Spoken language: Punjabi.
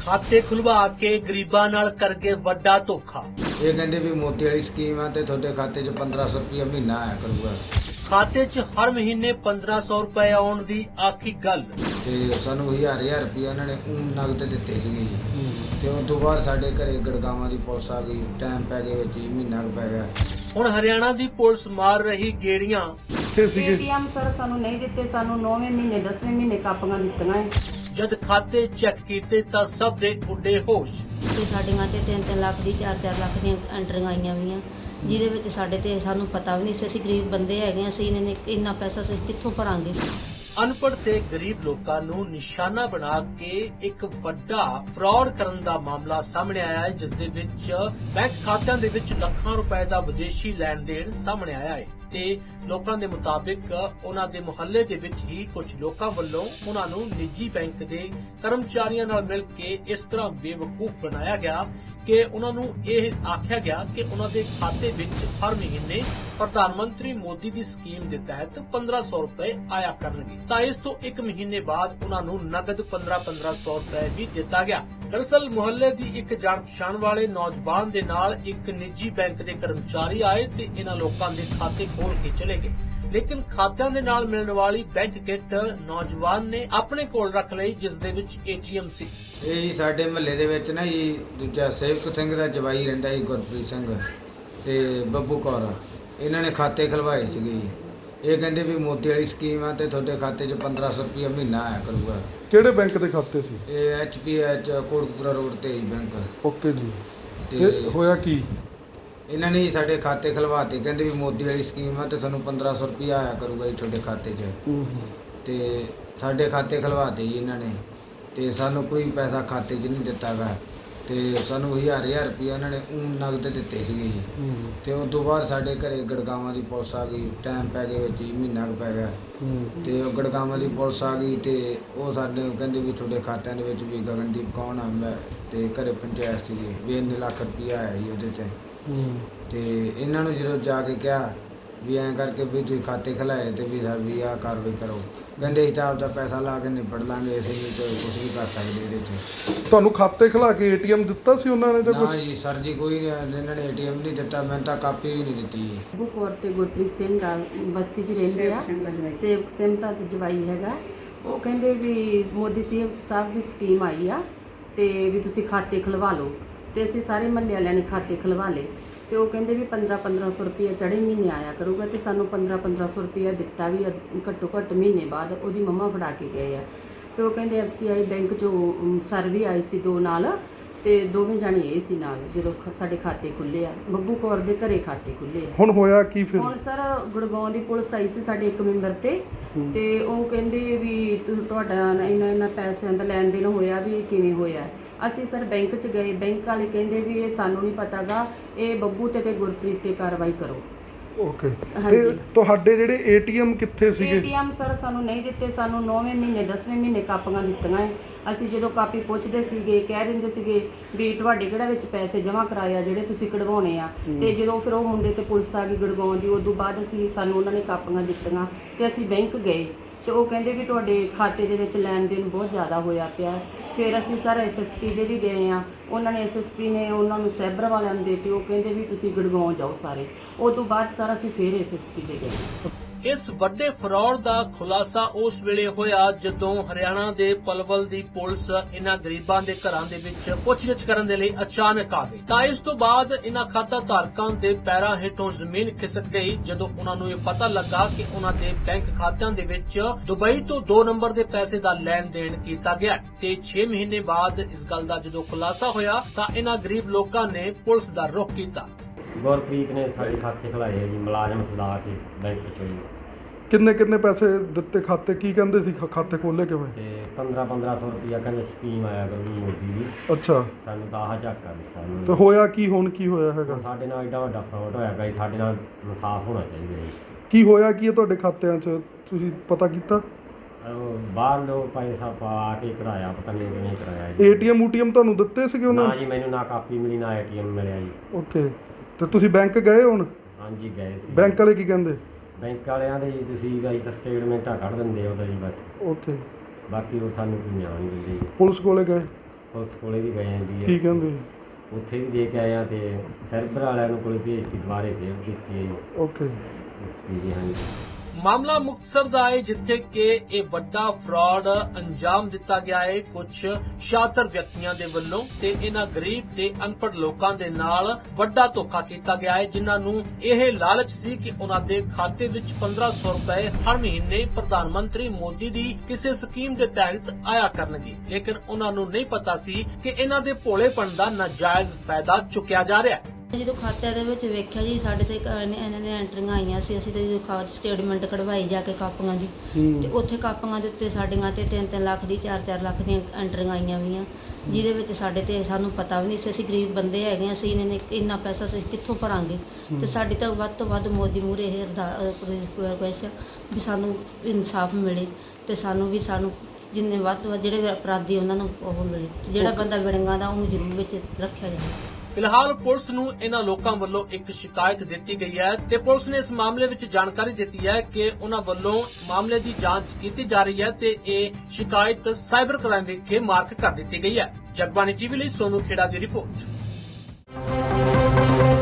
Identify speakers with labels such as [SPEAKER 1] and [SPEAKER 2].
[SPEAKER 1] ਖਾਤੇ ਖੁਲਵਾ ਕੇ ਗਰੀਬਾਂ ਨਾਲ ਕਰਕੇ ਵੱਡਾ ਧੋਖਾ।
[SPEAKER 2] ਇਹ ਕਹਿੰਦੇ ਵੀ ਮੋਤੀ ਵਾਲੀ ਸਕੀਮ ਆ ਤੇ ਤੁਹਾਡੇ ਖਾਤੇ 'ਚ 1500 ਰੁਪਏ ਮਹੀਨਾ ਆਇਆ ਕਰੂਗਾ
[SPEAKER 1] ਖਾਤੇ 'ਚ ਹਰ ਮਹੀਨੇ 1500 ਰੁਪਏ ਆਉਣ ਦੀ ਆਖੀ ਗੱਲ।
[SPEAKER 2] ਤੇ ਸਾਨੂੰ 1000 ਰੁਪਏ ਉਹਨਾਂ ਨੇ ਨਗਦ ਦਿੱਤੇ ਸੀਗੇ ਜੀ। ਤੇ ਉਸ ਤੋਂ ਬਾਅਦ ਸਾਡੇ ਘਰੇ ਗੜਗਾਵਾਂ ਦੀ ਪੁਲਿਸ ਆ ਗਈ, ਟਾਈਮ ਪੈ ਗਿਆ ਵਿੱਚ ਹੀ, ਮਹੀਨਾ ਕੁ ਪੈ ਗਿਆ।
[SPEAKER 1] ਹੁਣ ਹਰਿਆਣਾ ਦੀ ਪੁਲਿਸ ਮਾਰ ਰਹੀ ਗੇੜੀਆਂ।
[SPEAKER 3] ਏਟੀਐਮ ਸਰ ਸਾਨੂੰ ਨਹੀਂ ਦਿੱਤੇ, ਸਾਨੂੰ 9ਵੇਂ ਮਹੀਨੇ 10ਵੇਂ ਮਹੀਨੇ ਕਾਪੀਆਂ ਦਿੱਤੀਆਂ ਹੈ।
[SPEAKER 1] ਜਦ ਖਾਤੇ ਚੈੱਕ ਕੀਤੇ ਤਾਂ ਸਭ ਦੇ ਉੱਡੇ ਹੋਸ਼।
[SPEAKER 4] ਤੇ ਸਾਡੀਆਂ ਤੇ 3-3 ਲੱਖ ਦੀ 4-4 ਲੱਖ ਦੀਆਂ ਐਂਟਰੀਆਂ ਆਈਆਂ ਵੀਆਂ, ਜਿਹਦੇ ਵਿੱਚ ਸਾਡੇ ਤੇ ਸਾਨੂੰ ਪਤਾ ਵੀ ਨਹੀਂ ਸੀ। ਅਸੀਂ ਗਰੀਬ ਬੰਦੇ ਹੈਗੇ, ਅਸੀਂ ਇੰਨਾ ਪੈਸਾ ਅਸੀਂ ਕਿੱਥੋਂ ਭਰਾਂਗੇ।
[SPEAKER 1] ਅਨਪੜ੍ਹ ਤੇ ਗਰੀਬ ਲੋਕਾਂ ਨੂੰ ਨਿਸ਼ਾਨਾ ਬਣਾ ਕੇ ਇੱਕ ਵੱਡਾ ਫਰਾਡ ਕਰਨ ਦਾ ਮਾਮਲਾ ਸਾਹਮਣੇ ਆਇਆ ਹੈ, ਜਿਸ ਦੇ ਵਿੱਚ ਬੈਂਕ ਖਾਤਿਆਂ ਦੇ ਵਿੱਚ ਲੱਖਾਂ ਰੁਪਏ ਦਾ ਵਿਦੇਸ਼ੀ ਲੈਣ ਦੇਣ ਸਾਹਮਣੇ ਆਇਆ ਹੈ ਤੇ ਲੋਕਾਂ ਦੇ ਮੁਤਾਬਿਕ ਉਹਨਾਂ ਦੇ ਮੁਹੱਲੇ ਦੇ ਵਿੱਚ ਹੀ ਕੁਝ ਲੋਕਾਂ ਵੱਲੋਂ ਉਹਨਾਂ ਨੂੰ ਨਿੱਜੀ ਬੈਂਕ ਦੇ ਕਰਮਚਾਰੀਆਂ ਨਾਲ ਮਿਲ ਕੇ ਇਸ ਤਰ੍ਹਾਂ ਬੇਵਕੂਫ ਬਣਾਇਆ ਗਿਆ ਕਿ ਉਹਨਾਂ ਨੂੰ ਇਹ ਆਖਿਆ ਗਿਆ ਕਿ ਉਹਨਾਂ ਦੇ ਖਾਤੇ ਵਿੱਚ ਹਰ ਮਹੀਨੇ ਪ੍ਰਧਾਨ ਮੰਤਰੀ ਮੋਦੀ ਦੀ ਸਕੀਮ ਦੇ ਤਹਿਤ 1500 ਰੁਪਏ ਆਇਆ ਕਰਨਗੇ। ਤਾਂ ਇਸ ਤੋਂ 1 ਮਹੀਨੇ ਬਾਅਦ ਉਹਨਾਂ ਨੂੰ ਨਗਦ 1500 ਰੁਪਏ ਵੀ ਦਿੱਤਾ ਗਿਆ। ਦਰਅਸਲ ਮੁਹੱਲੇ ਦੀ ਇੱਕ ਜਾਣ ਪਛਾਣ ਵਾਲੇ ਨੌਜਵਾਨ ਦੇ ਨਾਲ ਇੱਕ ਨਿੱਜੀ ਬੈਂਕ ਦੇ ਕਰਮਚਾਰੀ ਆਏ ਤੇ ਇਹਨਾਂ ਲੋਕਾਂ ਦੇ ਖਾਤੇ ਖੋਲ ਕੇ ਚਲੇ ਗਏ, ਲੇਕਿਨ ਖਾਤਿਆਂ ਦੇ ਨਾਲ ਮਿਲਣ ਵਾਲੀ ਬੈਂਕ ਕਿੱਟ ਨੌਜਵਾਨ ਨੇ ਆਪਣੇ ਕੋਲ ਰੱਖ ਲਈ, ਜਿਸ ਦੇ ਵਿੱਚ ATM ਸੀ।
[SPEAKER 2] ਇਹ ਜੀ ਸਾਡੇ ਮਹੱਲੇ ਦੇ ਵਿੱਚ ਨਾ ਜੀ ਦੂਜਾ ਸੇਵਕ ਸਿੰਘ ਦਾ ਜਵਾਈ ਰਹਿੰਦਾ ਜੀ, ਗੁਰਪ੍ਰੀਤ ਸਿੰਘ ਤੇ ਬੱਬੂ ਕੌਰ। ਇਹਨਾਂ ਨੇ ਖਾਤੇ ਖਲਵਾਏ ਸੀਗੇ ਜੀ। ਇਹ ਕਹਿੰਦੇ ਵੀ ਮੋਤੀ ਵਾਲੀ ਸਕੀਮ ਆ ਤੇ ਤੁਹਾਡੇ ਖਾਤੇ 'ਚ 1500 ਰੁਪਏ ਮਹੀਨਾ ਆਇਆ ਕਰੂਗਾ।
[SPEAKER 5] ਕਿਹੜੇ ਬੈਂਕ ਦੇ ਖਾਤੇ ਸੀ?
[SPEAKER 2] ਇਹ HPH ਕੋਟਕਪੂਰਾ ਰੋਡ ਤੇ ਹੀ ਬੈਂਕ।
[SPEAKER 5] ਓਕੇ ਜੀ।
[SPEAKER 2] ਤੇ
[SPEAKER 5] ਤੇ ਹੋਇਆ ਕੀ?
[SPEAKER 2] ਇਹਨਾਂ ਨੇ ਸਾਡੇ ਖਾਤੇ ਖਲਵਾਤੇ, ਕਹਿੰਦੇ ਵੀ ਮੋਦੀ ਵਾਲੀ ਸਕੀਮ ਆ ਤੇ ਤੁਹਾਨੂੰ 1500 ਰੁਪਏ ਆਇਆ ਕਰੂਗਾ ਜੀ ਤੁਹਾਡੇ ਖਾਤੇ 'ਚ। ਤੇ ਸਾਡੇ ਖਾਤੇ ਖਲਵਾਤੇ ਜੀ ਇਹਨਾਂ ਨੇ, ਤੇ ਸਾਨੂੰ ਕੋਈ ਪੈਸਾ ਖਾਤੇ 'ਚ ਨਹੀਂ ਦਿੱਤਾ ਗਾ। ਤੇ ਸਾਨੂੰ 1000 ਰੁਪਏ ਇਹਨਾਂ ਨੇ ਨਗਦ ਦਿੱਤੇ ਸੀਗੇ ਜੀ। ਤੇ ਉਸ ਤੋਂ ਬਾਅਦ ਸਾਡੇ ਘਰੇ ਗੜਗਾਵਾਂ ਦੀ ਪੁਲਿਸ ਆ ਗਈ, ਟਾਈਮ ਪੈ ਗਿਆ ਵਿੱਚ ਹੀ, ਮਹੀਨਾ ਕੁ ਪੈ ਗਿਆ। ਤੇ ਉਹ ਗੜਗਾਵਾਂ ਦੀ ਪੁਲਿਸ ਆ ਗਈ ਤੇ ਉਹ ਸਾਡੇ ਕਹਿੰਦੇ ਵੀ ਤੁਹਾਡੇ ਖਾਤਿਆਂ ਦੇ ਵਿੱਚ ਵੀ ਗਗਨਦੀਪ ਕੌਣ ਆ ਮੈਂ ਤੇ ਘਰੇ ਪੰਚਾਇਤ ਸੀਗੀ ਵੀ ਇੰਨੇ ਲੱਖ ਰੁਪਇਆ ਆਇਆ ਜੀ ਉਹਦੇ 'ਤੇ। ਤੇ ਇਹਨਾਂ ਨੂੰ ਜਦੋਂ ਜਾ ਕੇ ਕਿਹਾ ਵੀ ਐਂ ਕਰਕੇ ਵੀ ਤੁਸੀਂ ਖਾਤੇ ਖਲਾਏ ਤੇ ਵੀ ਆਹ ਕਾਰਵਾਈ ਕਰੋ, ਕਹਿੰਦੇ ਅਸੀਂ ਤਾਂ ਆਪਦਾ ਪੈਸਾ ਲਾ ਕੇ ਨਿਬੜ ਲਾਂਗੇ, ਅਸੀਂ ਨਹੀਂ ਕੁਝ ਵੀ ਕਰ ਸਕਦੇ ਇਹਦੇ 'ਚ।
[SPEAKER 5] ਤੁਹਾਨੂੰ ਖਾਤੇ ਖਿਲਾ ਕੇ ATM ਦਿੱਤਾ ਸੀ ਉਹਨਾਂ ਨੇ ਜਾਂ
[SPEAKER 2] ਨਾ
[SPEAKER 5] ਕੁਝ?
[SPEAKER 2] ਜੀ ਸਰ ਜੀ, ਕੋਈ ਇਹਨਾਂ ਨੇ ATM ਨਹੀਂ ਦਿੱਤਾ, ਮੈਨੂੰ ਤਾਂ ਕਾਪੀ ਵੀ ਨਹੀਂ ਦਿੱਤੀ ਜੀ।
[SPEAKER 3] ਬੱਬੂ ਕੌਰ ਤੇ ਗੁਰਪ੍ਰੀਤ ਸਿੰਘ ਆ, ਬਸਤੀ 'ਚ ਰਹਿੰਦੇ ਆ। ਸੇਵਕ ਸਿੰਘ ਦਾ ਤੇ ਜਵਾਈ ਹੈਗਾ। ਉਹ ਕਹਿੰਦੇ ਵੀ ਮੋਦੀ ਸਾਹਿਬ ਦੀ ਸਕੀਮ ਆਈ ਆ ਤੇ ਵੀ ਤੁਸੀਂ ਖਾਤੇ ਖਲਵਾ ਲਓ। ਤੇ ਅਸੀਂ ਸਾਰੇ ਮਹੱਲੇ ਵਾਲਿਆਂ ਨੇ ਖਾਤੇ ਖਲਵਾ ਲਏ ਤੇ ਉਹ ਕਹਿੰਦੇ ਵੀ 1500 ਰੁਪਏ ਚੜ੍ਹੇ ਮਹੀਨੇ ਆਇਆ ਕਰੂਗਾ। ਤੇ ਸਾਨੂੰ 1500 ਰੁਪਏ ਦਿੱਤਾ ਵੀ ਘੱਟੋ ਘੱਟ ਮਹੀਨੇ ਬਾਅਦ ਉਹਦੀ ਮੰਮਾ ਫੜਾ ਕੇ ਗਏ ਆ। ਤੇ ਉਹ ਕਹਿੰਦੇ FCI ਬੈਂਕ 'ਚੋਂ ਸਰ ਵੀ ਆਈ ਸੀ 2 ਨਾਲ, ਤੇ ਦੋਵੇਂ ਜਾਣੇ ਇਹ ਸੀ ਨਾਲ ਜਦੋਂ ਸਾਡੇ ਖਾਤੇ ਖੁੱਲੇ ਆ। ਬੱਬੂ ਕੌਰ ਦੇ ਘਰੇ ਖਾਤੇ ਖੁੱਲੇ ਆ।
[SPEAKER 5] ਹੁਣ ਹੋਇਆ ਕੀ ਫਿਰ?
[SPEAKER 3] ਹੁਣ ਸਰ ਗੁੜਗਾਉਂ ਦੀ ਪੁਲਿਸ ਆਈ ਸੀ ਸਾਡੇ ਇੱਕ ਮੈਂਬਰ ਤੇ ਉਹ ਕਹਿੰਦੇ ਵੀ ਤੁਹਾਡਾ ਇੰਨਾ ਪੈਸਿਆਂ ਦਾ ਲੈਣ ਦੇਣ ਹੋਇਆ, ਵੀ ਇਹ ਕਿਵੇਂ ਹੋਇਆ। ਅਸੀਂ ਸਰ ਬੈਂਕ 'ਚ ਗਏ, ਬੈਂਕ ਵਾਲੇ ਕਹਿੰਦੇ ਵੀ ਇਹ ਸਾਨੂੰ ਨਹੀਂ ਪਤਾਗਾ, ਇਹ ਬੱਬੂ ਤੇ ਗੁਰਪ੍ਰੀਤ ਤੇ ਕਾਰਵਾਈ ਕਰੋ।
[SPEAKER 5] ਓਕੇ।
[SPEAKER 3] ਹਾਂਜੀ।
[SPEAKER 5] ਤੇ ਤੁਹਾਡੇ ਜਿਹੜੇ ATM ਕਿੱਥੇ ਸੀਗੇ?
[SPEAKER 3] ATM ਸਰ ਸਾਨੂੰ ਨਹੀਂ ਦਿੱਤੇ, ਸਾਨੂੰ 9ਵੇਂ ਮਹੀਨੇ 10ਵੇਂ ਮਹੀਨੇ ਕਾਪੀਆਂ ਦਿੱਤੀਆਂ ਹੈ। ਅਸੀਂ ਜਦੋਂ ਕਾਪੀ ਪੁੱਛਦੇ ਸੀਗੇ ਕਹਿ ਦਿੰਦੇ ਸੀਗੇ ਵੀ ਤੁਹਾਡੇ ਕਿਹੜਾ ਵਿੱਚ ਪੈਸੇ ਜਮ੍ਹਾਂ ਕਰਾਏ ਆ ਜਿਹੜੇ ਤੁਸੀਂ ਕਢਵਾਉਣੇ ਆ। ਤੇ ਜਦੋਂ ਫਿਰ ਉਹ ਮੁੰਡੇ ਤੇ ਪੁਲਿਸ ਆ ਗਈ ਗੜਗਾਉਂ ਦੀ, ਉਦੋਂ ਬਾਅਦ ਸਾਨੂੰ ਉਹਨਾਂ ਨੇ ਕਾਪੀਆਂ ਦਿੱਤੀਆਂ ਤੇ ਅਸੀਂ ਬੈਂਕ ਗਏ ਤੇ ਉਹ ਕਹਿੰਦੇ ਵੀ ਤੁਹਾਡੇ ਖਾਤੇ ਦੇ ਵਿੱਚ ਲੈਣ ਦੇਣ ਬਹੁਤ ਜ਼ਿਆਦਾ ਹੋਇਆ ਪਿਆ। ਫਿਰ ਅਸੀਂ ਸਰ SSP ਦੇ ਵੀ ਗਏ ਆ, ਉਹਨਾਂ ਨੇ SSP ਨੇ ਉਹਨਾਂ ਨੂੰ ਸਾਈਬਰ ਵਾਲਿਆਂ ਨੂੰ ਦਿੱਤੀ। ਉਹ ਕਹਿੰਦੇ ਵੀ ਤੁਸੀਂ ਗੜਗਾਉਂ ਜਾਓ ਸਾਰੇ। ਉਹ ਤੋਂ ਬਾਅਦ ਸਰ ਅਸੀਂ ਫਿਰ SSP ਦੇ ਗਏ।
[SPEAKER 1] ਇਸ ਵੱਡੇ ਫਰਾਡ ਦਾ ਖੁਲਾਸਾ ਉਸ ਵੇਲੇ ਹੋਇਆ ਜਦੋਂ ਹਰਿਆਣਾ ਦੇ ਪਲਵਲ ਦੀ ਪੁਲਿਸ ਇਹਨਾਂ ਗਰੀਬਾਂ ਦੇ ਘਰਾਂ ਦੇ ਵਿੱਚ ਪੁੱਛਗਿੱਛ ਕਰਨ ਦੇ ਲਈ ਅਚਾਨਕ ਆ ਗਈ। ਤਾਂ ਇਸ ਤੋਂ ਬਾਅਦ ਇਹਨਾਂ ਖਾਤਾ ਧਾਰਕਾਂ ਦੇ ਪੈਰਾਂ ਹੇਠੋਂ ਜ਼ਮੀਨ ਖਿਸਕ ਗਈ ਜਦੋਂ ਉਹਨਾਂ ਨੂੰ ਇਹ ਪਤਾ ਲੱਗਾ ਕਿ ਉਹਨਾਂ ਦੇ ਬੈਂਕ ਖਾਤਿਆਂ ਦੇ ਵਿੱਚ ਦੁਬਈ ਤੋਂ 2 ਨੰਬਰ ਦੇ ਪੈਸੇ ਦਾ ਲੈਣ ਦੇਣ ਕੀਤਾ ਗਿਆ। ਤੇ 6 ਮਹੀਨੇ ਬਾਅਦ ਇਸ ਗੱਲ ਦਾ ਜਦੋਂ ਖੁਲਾਸਾ ਹੋਇਆ ਤਾਂ ਇਹਨਾਂ ਗਰੀਬ ਲੋਕਾਂ ਨੇ ਪੁਲਿਸ ਦਾ ਰੁਖ ਕੀਤਾ।
[SPEAKER 6] ਗੁਰਪ੍ਰੀਤ ਨੇ ਸਾਡੇ ਖਾਤੇ ਖਲਾਏ ਜੀ, ਮੁਲਾਜ਼ਮ ਸਦਾ ਕੇ ਬੈਂਕ ਚੋਂ ਜੀ।
[SPEAKER 5] ਕਿੰਨੇ ਪੈਸੇ ਦਿੱਤੇ ਖਾਤੇ? ਕੀ ਕਹਿੰਦੇ ਸੀ ਖਾਤੇ ਖੋਲੇ ਕਿਵੇਂ?
[SPEAKER 6] ਤੇ 1500 ਰੁਪਇਆ ਕਹਿੰਦੇ ਸਕੀਮ ਆਇਆ ਕਰੂ ਮੋਦੀ ਦੀ।
[SPEAKER 5] ਅੱਛਾ।
[SPEAKER 6] ਸਾਨੂੰ ਤਾਂ ਆਹ ਝਾਕਾ ਦਿੱਤਾ
[SPEAKER 5] ਤੇ ਹੋਇਆ ਕੀ? ਹੁਣ ਕੀ ਹੋਇਆ ਹੈਗਾ?
[SPEAKER 6] ਸਾਡੇ ਨਾਲ ਐਡਾ ਵੱਡਾ ਫਰਾਡ ਹੋਇਆ ਗਿਆ ਜੀ, ਸਾਡੇ ਨਾਲ ਇਨਸਾਫ ਹੋਣਾ ਚਾਹੀਦਾ ਜੀ।
[SPEAKER 5] ਕੀ ਹੋਇਆ ਕੀ ਹੈ ਤੁਹਾਡੇ ਖਾਤਿਆਂ 'ਚ? ਤੁਸੀਂ ਪਤਾ ਕੀਤਾ?
[SPEAKER 6] ਬਾਹਰ ਲੋਕ ਪੈਸਾ ਪਾ ਕੇ ਕਰਾਇਆ, ਪਤਾ ਨਹੀਂ ਕਿਵੇਂ ਕਰਾਇਆ ਜੀ।
[SPEAKER 5] ATM ਤੁਹਾਨੂੰ ਦਿੱਤੇ ਸੀਗੇ ਉਹਨਾਂ
[SPEAKER 6] ਨਾ
[SPEAKER 5] ਨੇ?
[SPEAKER 6] ਜੀ, ਮੈਨੂੰ ਨਾ ਕਾਪੀ ਮਿਲੀ ਨਾ ATM ਮਿਲਿਆ ਜੀ।
[SPEAKER 5] ਓਕੇ। ਤੇ ਤੁਸੀਂ ਬੈਂਕ ਗਏ ਹੁਣ?
[SPEAKER 6] ਹਾਂਜੀ ਗਏ ਸੀ।
[SPEAKER 5] ਬੈਂਕ ਵਾਲੇ ਕੀ ਕਹਿੰਦੇ?
[SPEAKER 6] ਬੈਂਕ ਵਾਲਿਆਂ ਦੇ ਜੀ ਤੁਸੀਂ ਬਾਈ ਤਾਂ ਸਟੇਟਮੈਂਟਾਂ ਕੱਢ ਦਿੰਦੇ ਹੋ ਤਾਂ ਜੀ ਬਸ।
[SPEAKER 5] ਓਕੇ।
[SPEAKER 6] ਬਾਕੀ ਉਹ ਸਾਨੂੰ ਕੋਈ ਨਿਆਂ ਨਹੀਂ ਦਿੰਦੇ ਜੀ।
[SPEAKER 5] ਪੁਲਿਸ ਕੋਲੇ ਗਏ?
[SPEAKER 6] ਪੁਲਿਸ ਕੋਲੇ ਵੀ ਗਏ ਆਂ
[SPEAKER 5] ਕੀ
[SPEAKER 6] ਜੀ,
[SPEAKER 5] ਕਹਿੰਦੇ?
[SPEAKER 6] ਉੱਥੇ ਵੀ ਦੇ ਕੇ ਆਏ ਆ ਤੇ ਸਰਬਰ ਵਾਲਿਆਂ ਨੂੰ ਕੋਲੇ ਭੇਜਤੀ, ਦੁਬਾਰੇ ਫੇਰ ਕੀਤੀ ਹੈ ਜੀ
[SPEAKER 5] ਓਕੇ।
[SPEAKER 6] ਐਸਪੀ ਜੀ। ਹਾਂਜੀ
[SPEAKER 1] ਮਾਮਲਾ ਮੁਕਤਸਰ ਦਾ ਹੈ, ਜਿੱਥੇ ਕਿ ਇਹ ਵੱਡਾ ਫਰਾਡ ਅੰਜਾਮ ਦਿੱਤਾ ਗਿਆ ਹੈ ਕੁਝ ਸ਼ਾਤਰ ਵਿਅਕਤੀਆਂ ਦੇ ਵੱਲੋਂ ਤੇ ਇਹਨਾਂ ਗਰੀਬ ਤੇ ਅਨਪੜ੍ਹ ਲੋਕਾਂ ਦੇ ਨਾਲ ਵੱਡਾ ਧੋਖਾ ਕੀਤਾ ਗਿਆ ਹੈ, ਜਿਨ੍ਹਾਂ ਨੂੰ ਇਹ ਲਾਲਚ ਸੀ ਕਿ ਉਹਨਾਂ ਦੇ ਖਾਤੇ ਵਿੱਚ 1500 ਰੁਪਏ ਹਰ ਮਹੀਨੇ ਪ੍ਰਧਾਨ ਮੰਤਰੀ ਮੋਦੀ ਦੀ ਕਿਸੇ ਸਕੀਮ ਦੇ ਤਹਿਤ ਆਇਆ ਕਰਨਗੇ। ਲੇਕਿਨ ਉਹਨਾਂ ਨੂੰ ਨਹੀਂ ਪਤਾ ਸੀ ਕਿ ਇਹਨਾਂ ਦੇ ਭੋਲੇਪਣ ਦਾ ਨਾਜਾਇਜ਼ ਫਾਇਦਾ ਚੁੱਕਿਆ ਜਾ ਰਿਹਾ ਹੈ।
[SPEAKER 4] ਜਦੋਂ ਖਾਤਿਆਂ ਦੇ ਵਿੱਚ ਵੇਖਿਆ ਜੀ ਸਾਡੇ ਤੇ ਇਹਨਾਂ ਨੇ ਐਂਟਰੀਆਂ ਆਈਆਂ ਸੀ, ਅਸੀਂ ਤੇ ਜਦੋਂ ਖਾਤ ਸਟੇਟਮੈਂਟ ਕਢਵਾਈ ਜਾ ਕੇ ਕਾਪੀਆਂ ਦੀ, ਤੇ ਉੱਥੇ ਕਾਪੀਆਂ ਦੇ ਉੱਤੇ ਸਾਡੀਆਂ ਤੇ 3-3 ਲੱਖ ਦੀ 4-4 ਲੱਖ ਦੀਆਂ ਐਂਟਰੀਆਂ ਆਈਆਂ ਵੀਆਂ, ਜਿਹਦੇ ਵਿੱਚ ਸਾਡੇ ਤੇ ਸਾਨੂੰ ਪਤਾ ਵੀ ਨਹੀਂ ਸੀ, ਅਸੀਂ ਗਰੀਬ ਬੰਦੇ ਹੈਗੇ, ਅਸੀਂ ਇਹਨਾਂ ਨੇ ਇੰਨਾ ਪੈਸਾ ਅਸੀਂ ਕਿੱਥੋਂ ਭਰਾਂਗੇ। ਤੇ ਸਾਡੀ ਤਾਂ ਵੱਧ ਤੋਂ ਵੱਧ ਮੋਦੀ ਮੂਹਰੇ ਇਹ ਰਿਕੁਐਸਟ ਵੀ ਸਾਨੂੰ ਇਨਸਾਫ ਮਿਲੇ ਤੇ ਸਾਨੂੰ ਜਿੰਨੇ ਵੱਧ ਤੋਂ ਵੱਧ ਜਿਹੜੇ ਵੀ ਅਪਰਾਧੀ ਉਹਨਾਂ ਨੂੰ ਉਹ ਮਿਲੇ, ਤੇ ਜਿਹੜਾ ਬੰਦਾ ਵਿੜੰਗਾ ਦਾ ਉਹਨੂੰ ਜ਼ਰੂਰ ਵਿੱਚ ਰੱਖਿਆ ਜਾਵੇ।
[SPEAKER 1] ਫਿਲਹਾਲ ਪੁਲਿਸ ਨੂੰ ਇਹਨਾਂ ਲੋਕਾਂ ਵੱਲੋਂ ਇੱਕ ਸ਼ਿਕਾਇਤ ਦਿੱਤੀ ਗਈ ਹੈ ਤੇ ਪੁਲਿਸ ਨੇ ਇਸ ਮਾਮਲੇ ਵਿੱਚ ਜਾਣਕਾਰੀ ਦਿੱਤੀ ਹੈ ਕਿ ਉਹਨਾਂ ਵੱਲੋਂ ਮਾਮਲੇ ਦੀ ਜਾਂਚ ਕੀਤੀ ਜਾ ਰਹੀ ਹੈ ਤੇ ਇਹ ਸ਼ਿਕਾਇਤ ਸਾਈਬਰ ਕ੍ਰਾਈਮ ਵਿਖੇ ਮਾਰਕ ਕਰ ਦਿੱਤੀ ਗਈ ਹੈ। ਜਗਬਾਣੀ ਟੀਵੀ ਲਈ ਸੋਨੂ ਖੇੜਾ ਦੀ ਰਿਪੋਰਟ।